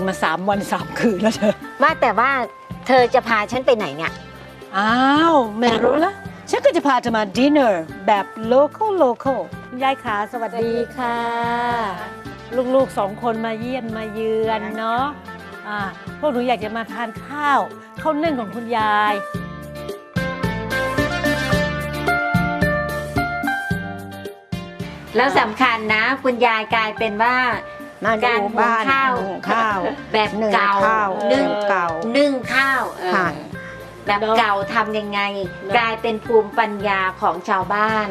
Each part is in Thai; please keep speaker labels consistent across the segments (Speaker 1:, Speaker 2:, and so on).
Speaker 1: มา3 วัน 3 คืนแล้วเธอ
Speaker 2: ว่าแต่ว่าเธอจะพาฉันไปไหนเนี่ย
Speaker 1: อ้าวไม่รู้ละฉันก็จะพาเธอมาดินเนอร์แบบ local คุณยายขาสวัสดีค่ะ ลูกๆ2 คนมาเยี่ยมมาเยือนเนาะพวกหนูอยากจะมาทานข้าวนึ่งของคุณยาย
Speaker 2: แล้วสำคัญนะคุณยายกลายเป็นว่าการหุงข้าวแบบเก่านึ่งข้าวแบบเก่าทำยังไงกลายเป็นภูมิปัญญาของชาวบ้าน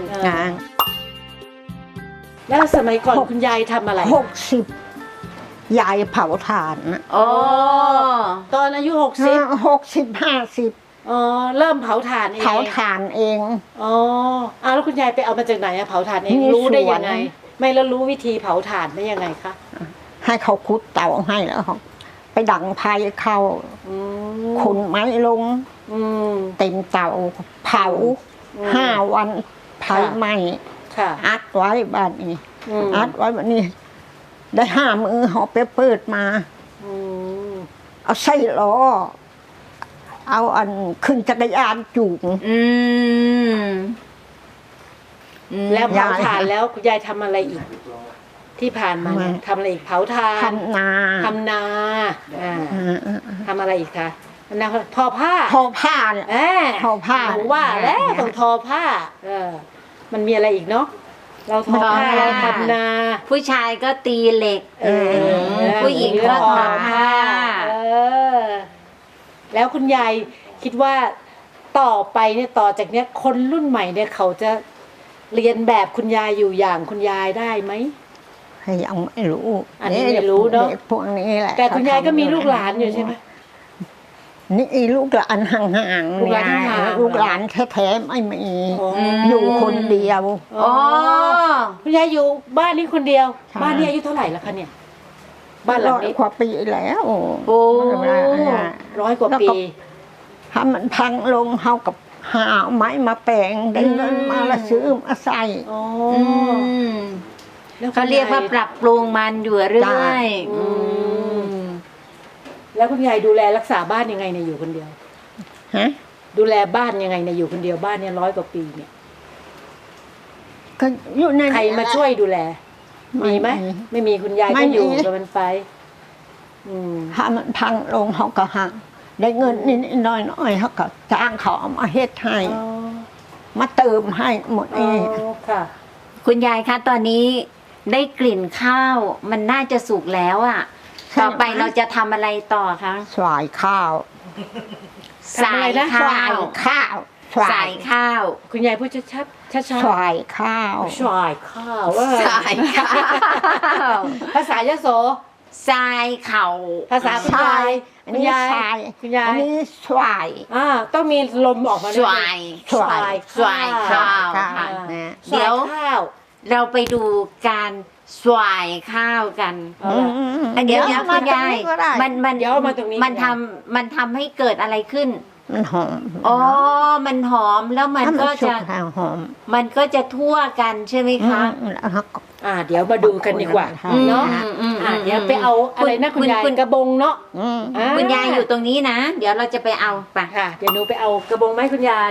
Speaker 1: แล้วสมัยก่อนคุณยายทำอะไร
Speaker 3: 60ยายเผาถ่าน
Speaker 2: โอ้
Speaker 1: ตอนอายุ
Speaker 3: 50
Speaker 1: อ๋อเริ่มเผาถ่านเอง
Speaker 3: อ๋อ
Speaker 1: แล้วคุณยายไปเอามาจากไหนเผาถ่านเองรู้ได้ยังไงไม่แล้วรู้วิธีเผาถ่านได้ยังไงคะ
Speaker 3: ให้เขาคุดเตาให้แล้วไปดังไฟเข้าขุนไม้ลงเต็มเตาเผา5 วันไฟไหม้อัดไว้บ้านนี้อัดไว้บ้านนี้ได้5 มือหอบไปเปิดมาเอาไส้ล้อเอาอันขึ้นจักรยานจูง
Speaker 1: แล้วเผาถ่านแล้วคุณยายทำอะไรอีกที่ผ่านมาทำอะไรอีกเผาถ่าน
Speaker 3: ทำนา
Speaker 1: ทำอะไรอีกคะทอผ้า
Speaker 3: เนี่ยทอผ้า
Speaker 1: หนูว่าแล้วต้องทอผ้ามันมีอะไรอีกเนาะเราทอผ้าเราทำนา
Speaker 2: ผู้ชายก็ตีเหล็กผู้หญิงก็ทอผ้า
Speaker 1: แล้วคุณยายคิดว่าต่อไปเนี่ยต่อจากเนี้ยคนรุ่นใหม่เนี่ยเขาจะเรียนแบบคุณยายอยู่อย่างคุณยายได้ไหม
Speaker 3: ยังไม่รู้
Speaker 1: อันนี้ไม่รู้เนาะ
Speaker 3: พวกนี้แหละ
Speaker 1: แต่คุณยายก็มีลูกหลานอยู่ใช่ไหม
Speaker 3: นี่ลูกหลานห่างๆลูกหลานแท้ๆไม่มีอยู่คนเดียว
Speaker 1: คุณยายอยู่บ้านนี้คนเดียวบ้านนี้อายุเท่าไหร่แล้วคะเนี่ยบ้านหลังนี้
Speaker 3: กว่าปีแล้ว
Speaker 1: โอ้100 กว่าปี
Speaker 3: ถ้ามันพังลงเท่ากับหาไม้มาแปลงได้เงินมาละซื้อมาใส่
Speaker 2: เขาเรียกว่าปรับปรุงมันอยู่เรื่อย
Speaker 1: แล้วคุณยายดูแลรักษาบ้านยังไงเนี่ยอยู่คนเดียวดูแลบ้านยังไงเนี่ยอยู่คนเดียวบ้านเนี่ย100 กว่าปีเนี่ย
Speaker 3: ก็อยู่ใน
Speaker 1: ใครมาช่วยดูแลมีไหมไม่มีคุณยายก็อยู่กับมันไป
Speaker 3: ถ้ามันพังลงเขาก็หักได้เงินนิดๆหน่อยๆเขาก็จ้างเขาเอามาเฮ็ดให้มาเติมให้หมดเอง
Speaker 2: ค่ะคุณยายคะตอนนี้ได้กลิ่นข้าวมันน่าจะสุกแล้วอ่ะต่อไปเราจะทำอะไรต่อคะ
Speaker 3: สายข้าว
Speaker 2: สายข้าวสายข้าว
Speaker 1: คุณยายพูดชัด
Speaker 3: สายข้าว
Speaker 1: สายข้าวภาษายโส
Speaker 2: ทรายเข่า
Speaker 1: ภาษาคุณยาย
Speaker 3: คุณยายอันนี้สวาย
Speaker 1: ต้องมีลมออกมา
Speaker 2: สวายข้าวเดี๋ยวเราไปดูการสวายข้าวกันเดี๋ยวคุณยายมันทำให้เกิดอะไรขึ้น
Speaker 3: มันหอม
Speaker 2: มันหอมแล้วมันก็จะทั่วกันใช่ไหมคะ
Speaker 1: เดี๋ยวมาดูกันดีกว่าเนาะเดี๋ยวไปเอาอะไรนะคุณยายกระบงเนาะ
Speaker 2: คุณยายอยู่ตรงนี้นะเดี๋ยวเราจะไปเอาไป
Speaker 1: ค่ะเดี๋ยวหนูไปเอากระบงไหมคุณยาย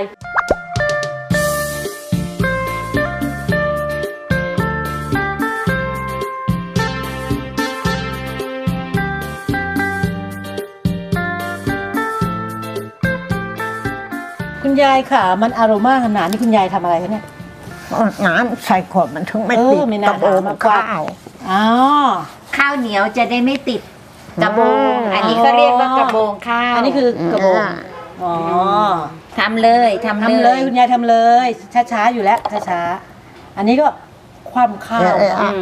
Speaker 1: คุณยายค่ะมันอโรมาขนาดนี้คุณยายทำอะไรคะเนี่ย
Speaker 3: น้ำใส่ขวดมันถึงไม่ติดกระโบงข้าว
Speaker 2: ข้าวเหนียวจะได้ไม่ติดกระโบงอันนี้ก็เรียกว่ากระโบงข้าว
Speaker 1: อันนี้คือกระโบง
Speaker 2: ทำเลย
Speaker 1: คุณยายทำเลยช้าๆอยู่แล้วช้าๆอันนี้ก็คว่ำข้าว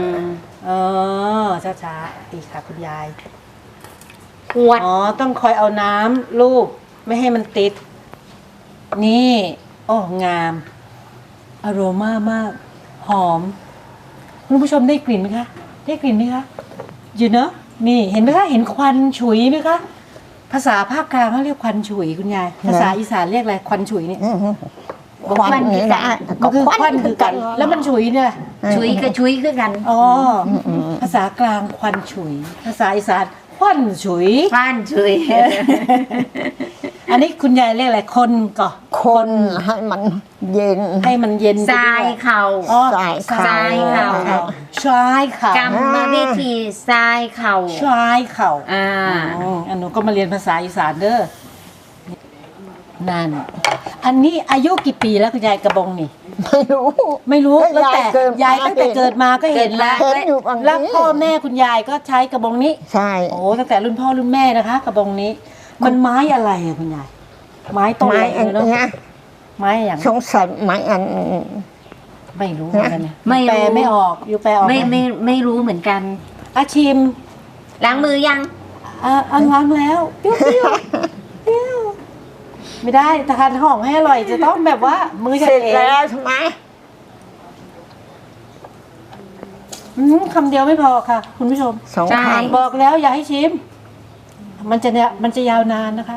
Speaker 1: ช้าๆดีค่ะคุณยาย
Speaker 2: ขวด
Speaker 1: ต้องคอยเอาน้ำลูบไม่ให้มันติดนี่งามอโรมามากหอมคุณผู้ชมได้กลิ่นไหมคะอยู่เนอะนี่เห็นไหมคะเห็นควันฉุยไหมคะภาษาภาคกลางเขาเรียกควันฉุยคุณยายภาษาอีสานเรียกอะไรควันฉุยเนี่ย
Speaker 3: ควันคือกัน
Speaker 1: คือควันคือกันแล้วมันฉุยเนี่ย
Speaker 2: ฉุยกับฉุยคือกัน
Speaker 1: ภาษากลางควันฉุยภาษาอีสานคฟั่นฉุย
Speaker 2: ฟ้านชุย
Speaker 1: อันนี้คุณยายเรียกอะไรคนก่อ
Speaker 3: คนให้มันเย็น
Speaker 1: ให้มันเย็นไป
Speaker 2: ทราย
Speaker 1: ด้วย
Speaker 2: เข่า
Speaker 1: อ๋อ
Speaker 3: ทรายเข่า
Speaker 2: ทรายเข่า
Speaker 1: ทรายเข่าก
Speaker 2: รรมวิธีทรายเข่า
Speaker 1: ทรายเข่า
Speaker 2: อ่า
Speaker 1: อันหนูก็มาเรียนภาษาอีสานเด้อนั่นอันนี้อายุกี่ปีแล้วคุณยายกระบงนี่
Speaker 3: ไม่รู้
Speaker 1: ไม่รู้
Speaker 3: ก็
Speaker 1: ตั้งแต่
Speaker 3: ยายเกิดมา
Speaker 1: ตั้งแต่เกิดมาก็เห็นแล้ว
Speaker 3: เห็นอยู่บางที
Speaker 1: แล้วพ่อแม่คุณยายก็ใช้กระบงนี้
Speaker 3: ใช่
Speaker 1: โอ้ตั้งแต่รุ่นพ่อรุ่นแม่นะคะ กระบงนี้ มันไม้อะไรอะคุณยายไม้ต้น
Speaker 3: ไม้
Speaker 1: อะไร
Speaker 3: อัน
Speaker 1: เนาะ
Speaker 3: เนี้ย
Speaker 1: ไม้อย่าง
Speaker 3: สงสัยไม้อัน
Speaker 1: ไม่รู้เหมือนกันเนี่ย
Speaker 2: ไม่รู้
Speaker 1: แปลไม่ออกอยู่แปลออกห
Speaker 2: ไม่รู้เหมือนกัน
Speaker 1: อาชิม
Speaker 2: ล้างมือยัง
Speaker 1: อันล้างแล้วเปรี้ยวเปรี้ยวเปรี้ยวไม่ได้ทานหอมให้อร่อยจะต้องแบบว่ามือ
Speaker 3: เส
Speaker 1: เฉ
Speaker 3: ร็
Speaker 1: ย
Speaker 3: จแล้วใช่ไหม
Speaker 1: คำเดียวไม่พอค่ะ คุณผู้ชม
Speaker 3: สอง
Speaker 2: ใช่
Speaker 3: พัน
Speaker 1: บอกแล้วอย่าให้ชิม มันจะยาวนานนะคะ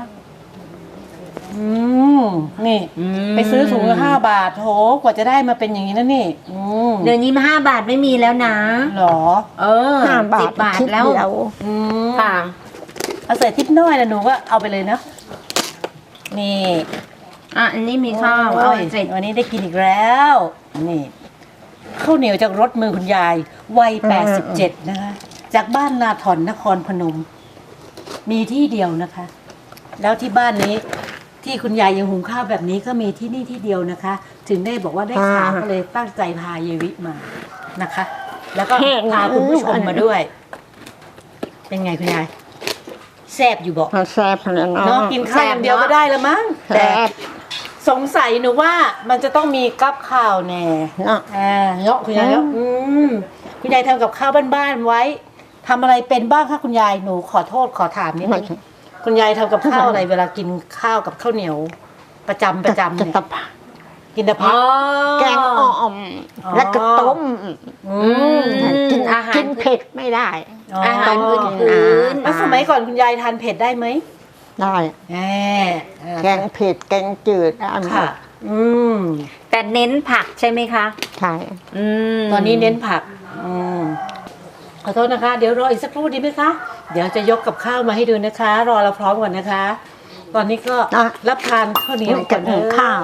Speaker 1: นี่ ไปซื้อถุงละ5 บาทโหกว่าจะได้มาเป็นอย่างนี้นะนี่
Speaker 2: เดี๋ยวนี้มา5 บาทไม่มีแล้วนะ
Speaker 1: หรอ
Speaker 3: 5 บาท
Speaker 2: 10 บาท
Speaker 3: คิด
Speaker 2: แล้ว
Speaker 3: เดียว
Speaker 2: ค่ะ
Speaker 1: เอาใส่ทิปน้อยนะหนูก็เอาไปเลยเนาะนี่
Speaker 2: อันนี้มีข้าว
Speaker 1: โอ้
Speaker 2: เอา
Speaker 1: ย
Speaker 2: เสร็จ
Speaker 1: วันนี้ได้กินอีกแล้วนี่ข้าวเหนียวจากรถมือคุณยายวัย87นะคะจากบ้านนาถอนนครพนม มีที่เดียวนะคะ แล้วที่บ้านนี้ที่คุณยายยังหุงข้าวแบบนี้ก็มีที่นี่ที่เดียวนะคะ ถึงได้บอกว่าได้ข่าวก็เลยตั้งใจพาเยวิมานะคะ แล้วก็พาคุณผู้ชมมาด้วย เป็นไงคุณยายแซ่บอยู่บอก
Speaker 3: มันแซ่บแล้วเนาะ
Speaker 1: เนาะกินข้าวอย่างเดียวก็ได้แล้วมั้ง
Speaker 3: แซ่
Speaker 1: แต่
Speaker 3: บ
Speaker 1: สงสัยหนูว่ามันจะต้องมีกับข้าวแน่
Speaker 3: เนาะ
Speaker 1: เนาะคุณยายเนาะคุณยายทำกับข้าวบ้านๆไว้ทำอะไรเป็นบ้างคะคุณยายหนูขอโทษขอถามนิดนึงคุณยายทำกับข้าวอะไรเวลากินข้าวกับข้าวเหนียวประจำเนี่ย
Speaker 3: จะตะ
Speaker 1: กินแต่ผัก
Speaker 3: แกงอ่อม
Speaker 1: อ๋อ
Speaker 3: แล้วก็ต้ม กิน
Speaker 2: อาหาร
Speaker 3: กินเผ็ดไม่ได้
Speaker 2: อาหาร
Speaker 3: ต้
Speaker 2: พื้
Speaker 3: ม
Speaker 2: น
Speaker 3: กิน
Speaker 2: พื้น
Speaker 1: แล้วสมัยก่อนคุณยายทานเผ็ดได้ไหม
Speaker 3: ได้
Speaker 1: แหม
Speaker 3: แกงเผ็ดแกงจืดได้หม
Speaker 1: ค่ะ
Speaker 3: ด
Speaker 2: แต่เน้นผักใช่ไหมคะ
Speaker 3: ใช่
Speaker 1: ตอนนี้เน้นผักขอโทษนะคะ เดี๋ยวรออีกสักครู่ดีไหมคะ เดี๋ยวจะยกกับข้าวมาให้ดูนะคะ รอเราพร้อมก่อนนะคะ ตอนนี้ก็รับทานข้าวเหนียวก่อนเถอะ
Speaker 3: ข้าว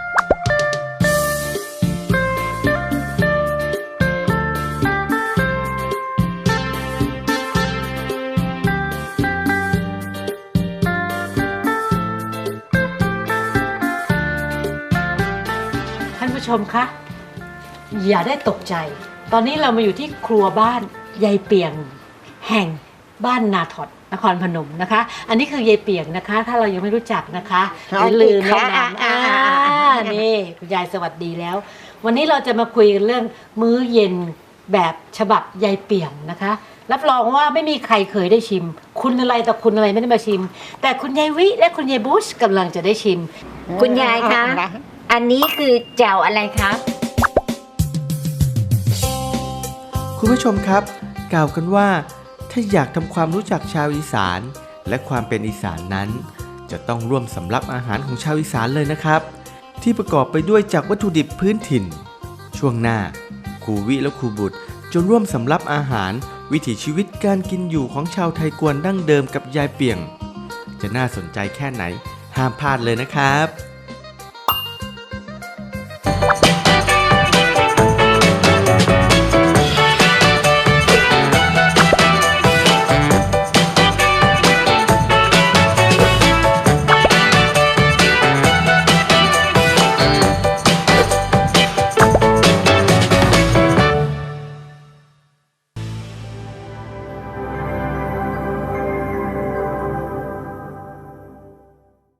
Speaker 1: ท่านผู้ชมคะ อย่าได้ตกใจ ตอนนี้เรามาอยู่ที่ครัวบ้านยายเปียง แห่งบ้านนาถอดนครพนมนะคะ อันนี้คือยายเปียงนะคะ ถ้าเรายังไม่รู้จักนะคะอย่าลืมแนะนำนี่คุณยายสวัสดีแล้ว วันนี้เราจะมาคุยกันเรื่องมื้อเย็นแบบฉบับยายเปียงนะคะ รับรองว่าไม่มีใครเคยได้ชิม คุณอะไรต่อคุณอะไรไม่ได้มาชิม แต่คุณยายวิและคุณยายบุชกำลังจะได้ชิม
Speaker 2: คุณยายคะ อันนี้คือแจ่วอะไรคะ
Speaker 4: คุณผู้ชมครับกล่าวกันว่าถ้าอยากทำความรู้จักชาวอีสานและความเป็นอีสานนั้น จะต้องร่วมสำรับอาหารของชาวอีสานเลยนะครับ ที่ประกอบไปด้วยจากวัตถุดิบพื้นถิ่น ช่วงหน้าครูวิและครูบุตรจะร่วมสำรับอาหารวิถีชีวิตการกินอยู่ของชาวไทยกวนดั้งเดิมกับยายเปียง จะน่าสนใจแค่ไหนห้ามพลาดเลยนะครับ